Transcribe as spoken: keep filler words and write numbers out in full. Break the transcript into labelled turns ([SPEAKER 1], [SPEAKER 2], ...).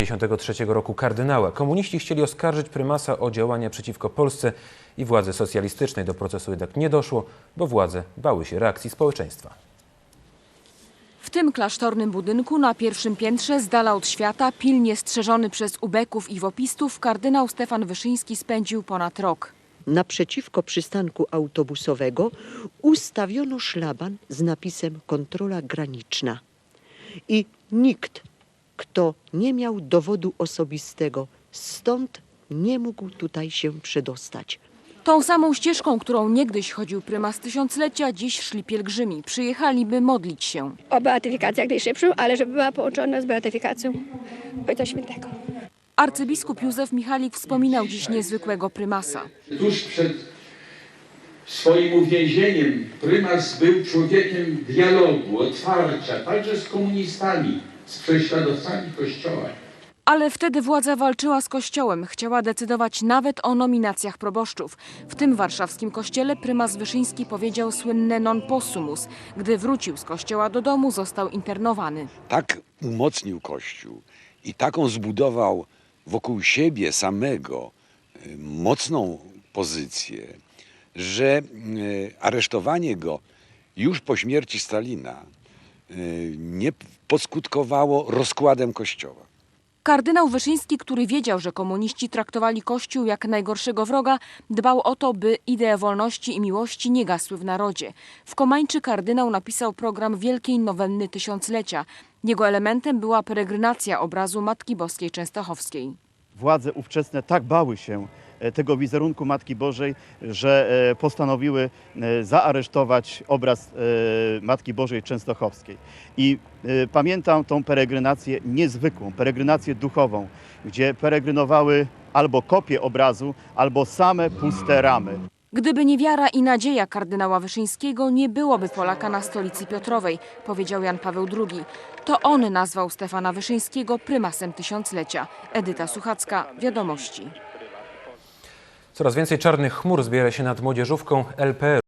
[SPEAKER 1] dziewięćdziesiątego trzeciego roku kardynała. Komuniści chcieli oskarżyć prymasa o działania przeciwko Polsce i władzy socjalistycznej. Do procesu jednak nie doszło, bo władze bały się reakcji społeczeństwa.
[SPEAKER 2] W tym klasztornym budynku na pierwszym piętrze, z dala od świata, pilnie strzeżony przez ubeków i wopistów, kardynał Stefan Wyszyński spędził ponad rok.
[SPEAKER 3] Naprzeciwko przystanku autobusowego ustawiono szlaban z napisem kontrola graniczna. I nikt, kto nie miał dowodu osobistego, stąd nie mógł tutaj się przedostać.
[SPEAKER 2] Tą samą ścieżką, którą niegdyś chodził prymas tysiąclecia, dziś szli pielgrzymi. Przyjechali, by modlić się.
[SPEAKER 4] O beatyfikację jak najszybszą, ale żeby była połączona z beatyfikacją Ojca Świętego.
[SPEAKER 2] Arcybiskup Józef Michalik wspominał dziś niezwykłego prymasa.
[SPEAKER 5] Tuż przed swoim uwięzieniem prymas był człowiekiem dialogu, otwarcia, także z komunistami, z prześladowcami Kościoła.
[SPEAKER 2] Ale wtedy władza walczyła z Kościołem, chciała decydować nawet o nominacjach proboszczów. W tym warszawskim kościele prymas Wyszyński powiedział słynne non possumus. Gdy wrócił z kościoła do domu, został internowany.
[SPEAKER 6] Tak umocnił Kościół i taką zbudował wokół siebie samego mocną pozycję, że aresztowanie go już po śmierci Stalina nie poskutkowało rozkładem Kościoła.
[SPEAKER 2] Kardynał Wyszyński, który wiedział, że komuniści traktowali Kościół jak najgorszego wroga, dbał o to, by idee wolności i miłości nie gasły w narodzie. W Komańczy kardynał napisał program Wielkiej Nowenny Tysiąclecia. Jego elementem była peregrinacja obrazu Matki Boskiej Częstochowskiej.
[SPEAKER 7] Władze ówczesne tak bały się tego wizerunku Matki Bożej, że postanowiły zaaresztować obraz Matki Bożej Częstochowskiej. I pamiętam tą peregrinację niezwykłą, peregrinację duchową, gdzie peregrynowały albo kopie obrazu, albo same puste ramy.
[SPEAKER 2] Gdyby nie wiara i nadzieja kardynała Wyszyńskiego, nie byłoby Polaka na stolicy Piotrowej, powiedział Jan Paweł drugi. To on nazwał Stefana Wyszyńskiego prymasem tysiąclecia. Edyta Suchacka, Wiadomości.
[SPEAKER 1] Coraz więcej czarnych chmur zbiera się nad młodzieżówką L P R u.